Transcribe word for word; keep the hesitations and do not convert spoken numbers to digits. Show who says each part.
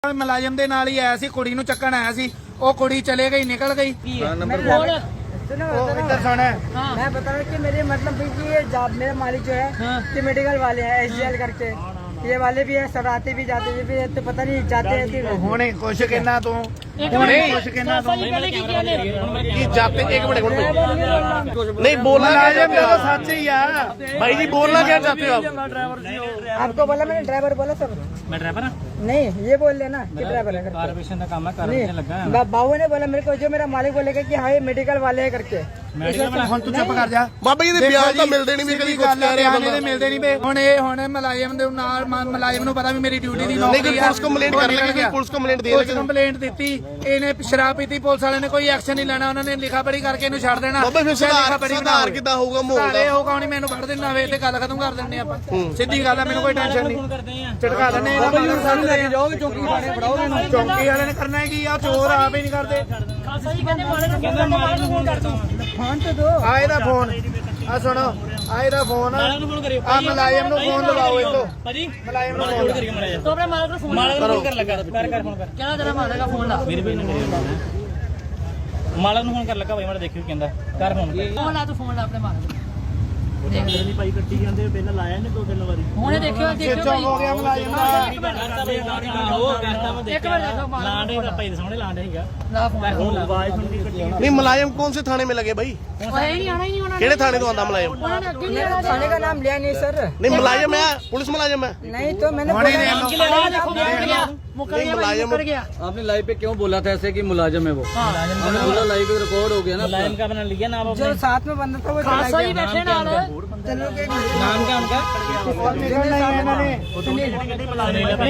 Speaker 1: ਮੁਲਾਜ਼ਮ ਦੇ ਨਾਲ ਹੀ ਆਇਆ ਸੀ, ਕੁੜੀ ਨੂੰ ਚੱਕਣ ਆਇਆ ਸੀ, ਉਹ ਕੁੜੀ ਚਲੇ ਗਈ, निकल गई।
Speaker 2: सुनो इधर सुन, मैं बता रहा हूँ कि मेरे मतलब कि ये जॉब मेरा मालिक जो है कि मेडिकल वाले हैं एस जी एल करके, ये वाले भी है, सब आते भी जाते भी है, तो पता नहीं जाते हैं कि
Speaker 1: ਹੁਣੇ ਕੁਛ ਕਹਿਣਾ ਤੂੰ ਹੁਣੇ ਕੁਛ ਕਹਿਣਾ ਤੂੰ
Speaker 3: ਕੀ जाते एक मिनट नहीं बोलना
Speaker 1: ਮੁਲਾਜ਼ਮ ਦਾ ਸੱਚ ਹੀ ਆ
Speaker 3: भाई जी, बोलना क्या चाहते हो आप?
Speaker 2: आपको बोला मैंने ड्राइवर बोला सर,
Speaker 4: मैं ड्राइवर
Speaker 2: नहीं ये बोल लेना कि ड्राइवर है करके।
Speaker 4: कारपोरेशन का काम है, कारपोरेशन लगा है।
Speaker 2: बा- बाबू ने बोला मेरे को, जो मेरा मालिक बोलेगा कि हाँ ये मेडिकल वाले है करके।
Speaker 1: ਹੁਣ ਤੂੰ ਚੁੱਪ ਕਰ ਜਾ।
Speaker 3: ਬਾਬਾ ਜੀ ਦੇ ਬਿਆਨ ਤਾਂ ਮਿਲਦੇ ਨਹੀਂ ਵੀ ਕਦੀ ਕੁਝ ਕਹਿ ਰਿਹਾ
Speaker 1: ਬਿਆਨ ਇਹਦੇ ਮਿਲਦੇ ਨਹੀਂ ਪਏ। ਹੁਣ ਇਹ ਹੁਣ ਮੁਲਾਜ਼ਮ ਦੇ ਨਾਲ ਮੁਲਾਜ਼ਮ ਨੂੰ ਪਤਾ ਵੀ ਮੇਰੀ ਡਿਊਟੀ ਦੀ
Speaker 3: नहीं
Speaker 1: ਨੌਕਰੀ
Speaker 3: कोई
Speaker 1: ਆ।
Speaker 3: पुलिस कंप्लेंट कर लगे, कोई पुलिस कंप्लेंट दे
Speaker 1: ਪੁਲਿਸ
Speaker 3: लगे।
Speaker 1: ਕੰਪਲੇਂਟ ਦਿੱਤੀ, ਇਹਨੇ ਸ਼ਰਾਬ ਪੀਤੀ, ਪੁਲਿਸ ਵਾਲਿਆਂ ਨੇ ਕੋਈ ਐਕਸ਼ਨ ਨਹੀਂ ਲੈਣਾ, ਉਹਨਾਂ ਨੇ ਲਿਖਾ ਪੜੀ ਕਰਕੇ ਇਹਨੂੰ ਛੱਡ ਦੇਣਾ।
Speaker 3: ਬਾਬਾ ਫਿਰ ਸੁਧਾਰ ਸੁਧਾਰ ਕਿੱਦਾਂ ਹੋਊਗਾ ਮਾਹੌਲ
Speaker 1: ਇਹ
Speaker 3: ਦਾ?
Speaker 1: ਹੋਗਾ ਨਹੀਂ, ਮੈਨੂੰ ਫੜ ਦੇਣਾ ਵੇ ਤੇ ਗੱਲ ਖਤਮ ਕਰ ਦਿੰਦੇ ਆਪਾਂ। ਸਿੱਧੀ ਗੱਲ ਆ, ਮੈਨੂੰ ਕੋਈ ਟੈਨਸ਼ਨ ਨਹੀਂ, ਝਟਕਾ ਦਿੰਦੇ ਇਹਦਾ ਮਾਲਕ ਸਾਨੂੰ ਲੈ ਕੇ ਜਾਓਗੇ ਚੌਂਕੀ ਵਾਲੇ ਫੜਾਓਗੇ ਇਹਨੂੰ। ਚੌਂਕੀ ਵਾਲੇ ਨੇ ਕਰਨਾ ਕੀ ਆ, ਚੋਰ ਆਪ ਹੀ ਨਹੀਂ ਕਰਦੇ।
Speaker 2: फोन तो दो
Speaker 1: ਆ ਇਹਦਾ ਫੋਨ ਆ ਸੁਣੋ, ਆ ਇਹਦਾ ਫੋਨ ਆ ਮੁਲਾਜ਼ਮ ਨੂੰ ਫੋਨ ਲਗਾਓ ਇਹਨੂੰ।
Speaker 4: भाजी
Speaker 1: ਮੁਲਾਜ਼ਮ ਨੂੰ ਫੋਨ
Speaker 4: करिए माड़ा तो अपने मालिक को फोन मालिक को फोन कर लगा कर कर फोन कर क्या तेरा मालिक का फोन ला मेरे भाई ने मालिक ਨੂੰ ਫੋਨ ਕਰ ਲੱਗਾ ਭਾਈ ਮਾੜਾ ਦੇਖਿਓ ਕਹਿੰਦਾ ਕਰ ਫੋਨ
Speaker 5: ਫੋਨ ਲਾ ਤੂੰ ਫੋਨ ਲਾ ਆਪਣੇ ਮਾਲਕ
Speaker 4: ਦੇਖ ਲਈ ਭਾਈ ਕੱਟੀ ਜਾਂਦੇ ਪਹਿਲਾਂ ਲਾਇਆ ਨੇ ਦੋ ਤਿੰਨ ਵਾਰੀ
Speaker 5: ਹੁਣੇ ਦੇਖਿਓ ਦੇਖਿਓ ਭਾਈ
Speaker 1: ਹੋ ਗਿਆ ਮੁਲਾਜ਼ਮ ਦਾ।
Speaker 5: ਇੱਕ ਮਿੰਟ ਦੇਖੋ ਮਾਲਕ
Speaker 4: ਲਾਂਡੇ ਦਾ ਭਾਈ ਸਾਹਮਣੇ ਲਾਂਡੇ ਸੀਗਾ
Speaker 5: ਲਾ ਫੋਨ
Speaker 4: ਆਵਾਜ਼ ਸੁਣ ਕੇ ਕੱਟੀ
Speaker 3: नहीं मुलायम कौन से थाने में लगे भाई?
Speaker 5: ਉਹ ਇਹ ਨਹੀਂ ਆਣਾ ਹੀ ਨਹੀਂ ਉਹਨਾਂ ਨੇ
Speaker 3: केड़े थाने तो आंदा मुलायम?
Speaker 5: ਉਹਨਾਂ ने ਅੱਗੇ ਨਹੀਂ ਆਣਾ
Speaker 2: थाने का नाम लिया नहीं सर,
Speaker 3: नहीं मुलायम है, पुलिस मुलायम है।
Speaker 2: नहीं तो मैंने
Speaker 1: ਹੁਣੇ
Speaker 2: बोला
Speaker 1: ਨੇ
Speaker 5: देखो मुकर गया मुकर गया भाई, मुकर गया।
Speaker 6: आपने लाइव पे क्यों बोला था ऐसे कि मुलाजिम है वो? हमने बोला लाइव पे रिकॉर्ड हो गया ना
Speaker 4: मुलायम का अपना लिया नाम
Speaker 2: जो साथ में बंदा था वो चला
Speaker 5: खासा ही
Speaker 2: गया।
Speaker 5: बैठे नाल
Speaker 2: चलो के
Speaker 4: नाम क्या उनका
Speaker 1: ਨਿਕਲਣਾ ਹੀ ਇਹਨਾਂ ਨੇ।